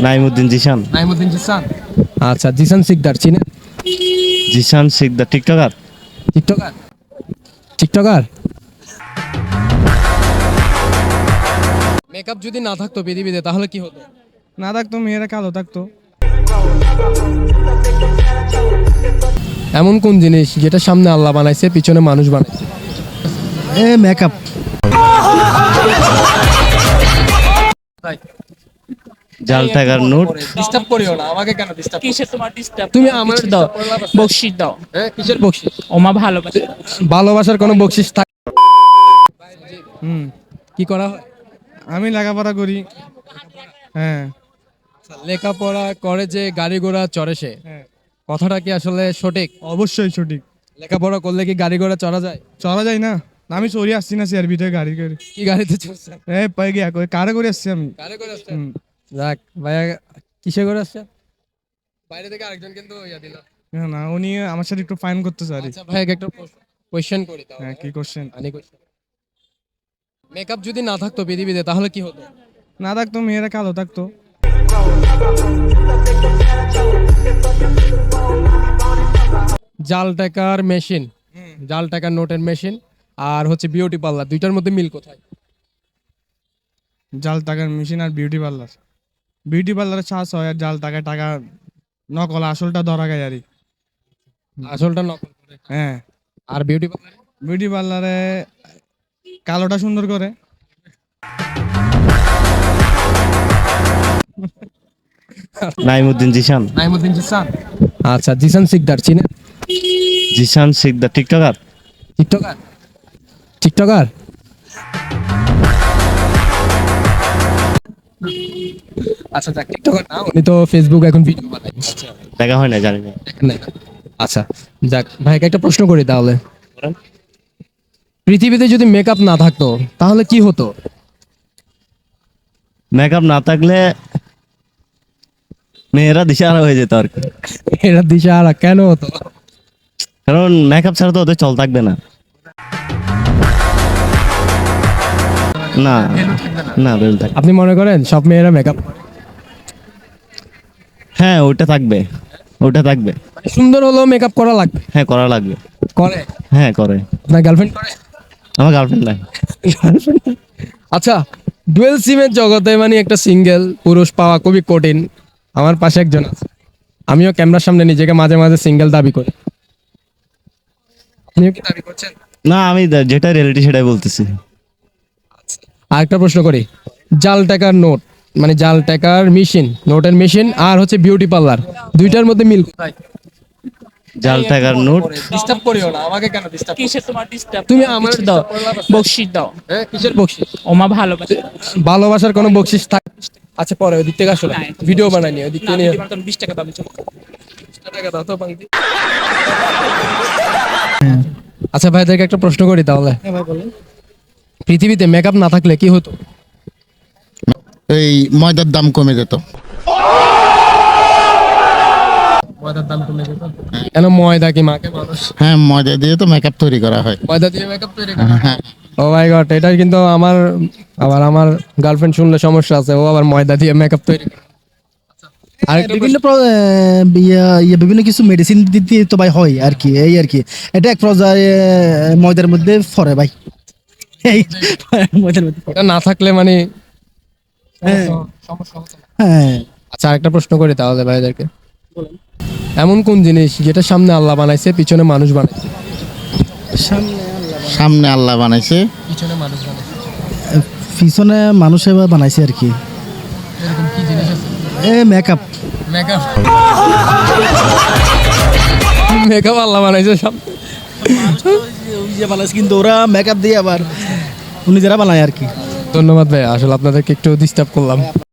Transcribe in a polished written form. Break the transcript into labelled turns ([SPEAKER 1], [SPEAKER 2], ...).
[SPEAKER 1] নাইমুদ্দিন জিশান।
[SPEAKER 2] নাইমুদ্দিন জিসান। আচ্ছা, জিসান শিকদার চিনেন?
[SPEAKER 1] Jishan Shikder tiktoker.
[SPEAKER 2] Tiktoker. Tiktoker. Makeup যদি না থাকতো পৃথিবীতে তাহলে কি হতো?
[SPEAKER 3] না থাকতো মেয়েরা কালো থাকতো।
[SPEAKER 2] এমন কোন জিনিস যেটা সামনে আল্লাহ বানাইছে পিছনে মানুষ বানাইছে?
[SPEAKER 3] মেকআপ।
[SPEAKER 1] জাল টাকার নোট।
[SPEAKER 2] ডিস্টার্ব করিও না আমাকে, কেন ডিস্টার্ব?
[SPEAKER 4] কিসের তোমার ডিস্টার্ব?
[SPEAKER 2] তুমি আমার
[SPEAKER 4] দাও, বকশিস দাও।
[SPEAKER 2] হ্যাঁ, কিসের বকশিস?
[SPEAKER 4] ওমা ভালোবাসে।
[SPEAKER 2] ভালোবাসার কোনো বকশিস থাকে? কি করা হয়?
[SPEAKER 3] আমি লেখাপড়া করি। হ্যাঁ।
[SPEAKER 2] লেখাপড়া করে যে গাড়ি ঘোড়া চড়ে সে, কথাটা কি আসলে সঠিক?
[SPEAKER 3] অবশ্যই সঠিক।
[SPEAKER 2] লেখাপড়া করলে কি গাড়ি ঘোড়া চড়া যায়?
[SPEAKER 3] চলা যায় না। আমি চড়ি আসছি না চেয়ার ভিতরে গাড়ি করে।
[SPEAKER 2] কি গাড়িতে চড়ছেন?
[SPEAKER 3] পাই গিয়া কারে করে আসছি আমি।
[SPEAKER 2] গাড়ি করে আসছেন? যাক ভাইয়া, কিসে করে আসছেন? বাইরে থেকে আরেকজন কিন্তু ইয়া দিল।
[SPEAKER 3] না উনি আমার সাথে একটু ফাইন করতে চাই।
[SPEAKER 2] আচ্ছা ভাই, একটা কোশ্চেন করি তাহলে।
[SPEAKER 3] হ্যাঁ, কি কোশ্চেন?
[SPEAKER 2] মেকআপ যদি না থাকতো পৃথিবীতে তাহলে কি হতো?
[SPEAKER 3] না থাকতো মেয়েরা কালো থাকতো।
[SPEAKER 2] জাল টাকার মেশিন, জাল টাকার নোটের মেশিন আর হচ্ছে বিউটি পার্লার, দুইটার মধ্যে মিল কোথায়?
[SPEAKER 3] জাল টাকার মেশিন আর বিউটি পার্লার। বিউটি পার্লারে চার্জ হয় আর জাল টাকায় টাকা নকল, আসলটা ধরা গায় আর কি।
[SPEAKER 2] আসলটা নকল করে।
[SPEAKER 3] হ্যাঁ।
[SPEAKER 2] আর বিউটি পার্লারে?
[SPEAKER 3] বিউটি পার্লারে কালোটা সুন্দর করে।
[SPEAKER 1] নাইমুদ্দিন জিশান।
[SPEAKER 2] নাইমুদ্দিন জিসান। আচ্ছা, জিসান শিকদার চিনেন?
[SPEAKER 1] Jishan Shikder tiktoker.
[SPEAKER 2] Tiktoker. Tiktoker. আচ্ছা যাক, টিকটকার না, উনি তো ফেসবুক এখন ভিডিও বানায়। আচ্ছা,
[SPEAKER 1] দেখা হয় না, জানি না।
[SPEAKER 2] দেখেন নাই না? আচ্ছা যাক, ভাইকে একটা প্রশ্ন করি তাহলে।
[SPEAKER 1] করেন।
[SPEAKER 2] পৃথিবীতে যদি মেকআপ না থাকতো তাহলে কি হতো?
[SPEAKER 1] মেকআপ না থাকলে মেয়েরা দিশাহারা হয়ে যেত আর কি।
[SPEAKER 2] এরা দিশাহারা কেন হতো?
[SPEAKER 1] কারণ মেকআপ ছাড়া তো ওদের চল থাকবে না। না না, বেল থাকবে।
[SPEAKER 2] আপনি মনে করেন সব মেয়েরা মেকআপ?
[SPEAKER 1] হ্যাঁ, ওটা থাকবে, ওটা থাকবে।
[SPEAKER 2] সুন্দর হলেও মেকআপ করা লাগবে?
[SPEAKER 1] হ্যাঁ, করা লাগবে।
[SPEAKER 2] করে?
[SPEAKER 1] হ্যাঁ, করে।
[SPEAKER 2] আপনার গার্লফ্রেন্ড করে?
[SPEAKER 1] আমার গার্লফ্রেন্ড নাই।
[SPEAKER 2] আচ্ছা, ডুয়েল সিমের জগতে মানে একটা সিঙ্গেল পুরুষ পাওয়া খুবই কঠিন। আমার পাশে একজন আছে, আমিও ক্যামেরার সামনে নিজেকে মাঝে মাঝে সিঙ্গেল দাবি করি। আপনিও কি দাবি করছেন?
[SPEAKER 1] না, আমি যেটা রিয়েলিটি সেটাই বলতেছি।
[SPEAKER 2] আরেকটা প্রশ্ন করি, জাল টাকার নোট মানে জাল টাকার মেশিন, নোটের মেশিন আর হচ্ছে বিউটি পার্লার, দুইটার মধ্যে মিল কোথায়?
[SPEAKER 1] জাল টাকার নোট।
[SPEAKER 2] ডিস্টার্ব করিও না আমাকে, কেন ডিস্টার্ব?
[SPEAKER 4] কিসের তোমার ডিস্টার্ব?
[SPEAKER 2] তুমি আমার
[SPEAKER 4] দাও,
[SPEAKER 2] disturb
[SPEAKER 4] বকশিস দাও।
[SPEAKER 2] হ্যাঁ, কিসের বকশিস?
[SPEAKER 4] ওমা ভালোবাসে।
[SPEAKER 2] ভালোবাসার কোনো বকশিস থাকে? আচ্ছা, পরে ওই দিক থেকে আসলে ভিডিও বানাই নি, ওই দিক থেকে নিয়ে
[SPEAKER 4] 20 টাকা দাম চলো।
[SPEAKER 2] টাকা দাও তো পাঙ্কি। আচ্ছা ভাইদেরকে একটা প্রশ্ন করি তাহলে। পৃথিবীতে মেকআপ না থাকলে কি হতো?
[SPEAKER 5] এই ময়দার দাম কমে যেত।
[SPEAKER 2] ময়দার দাম কমে যেত? কেন, ময়দা কি মাকে মানুষ?
[SPEAKER 5] হ্যাঁ, ময়দা দিয়ে তো মেকআপ তৈরি করা হয়।
[SPEAKER 2] ময়দা দিয়ে মেকআপ তৈরি করা?
[SPEAKER 5] হ্যাঁ।
[SPEAKER 2] ও মাই গড, এটা কিন্তু আমার গার্লফ্রেন্ড শুনলে সমস্যা আছে, ও আবার ময়দা দিয়ে মেকআপ তৈরি করে। আর
[SPEAKER 6] বিভিন্ন কিছু মেডিসিন দিতে তো ভাই হয় আর কি, এই আর কি। এটা এক পর্যায়ে ময়দার মধ্যে পড়ে ভাই, এই ময়দার মধ্যে পড়ে।
[SPEAKER 2] এটা না থাকলে মানে
[SPEAKER 6] হ্যাঁ।
[SPEAKER 2] সমস্যা হতো না।
[SPEAKER 6] হ্যাঁ।
[SPEAKER 2] আচ্ছা, আরেকটা প্রশ্ন করি তাহলে ভাইদেরকে। এমন কোন জিনিস যেটা সামনে আল্লাহ বানাইছে পিছনে মানুষ বানাইছে?
[SPEAKER 5] সামনে আল্লাহ বানাইছে,
[SPEAKER 2] পিছনে মানুষ বানাইছে।
[SPEAKER 6] পিছনে মানুষে বানাইছে আর কি।
[SPEAKER 2] এরকম কি জিনিস আছে?
[SPEAKER 6] মেকআপ।
[SPEAKER 2] মেকআপ। মেকআপ আল্লাহ বানাইছে সব।
[SPEAKER 6] বানাইছে কিন্তু ওরা মেকআপ দিয়ে আবার উনি যারা বানায় আর কি।
[SPEAKER 2] ধন্যবাদ ভাই, আসলে আপনাদেরকে একটু ডিস্টার্ব করলাম।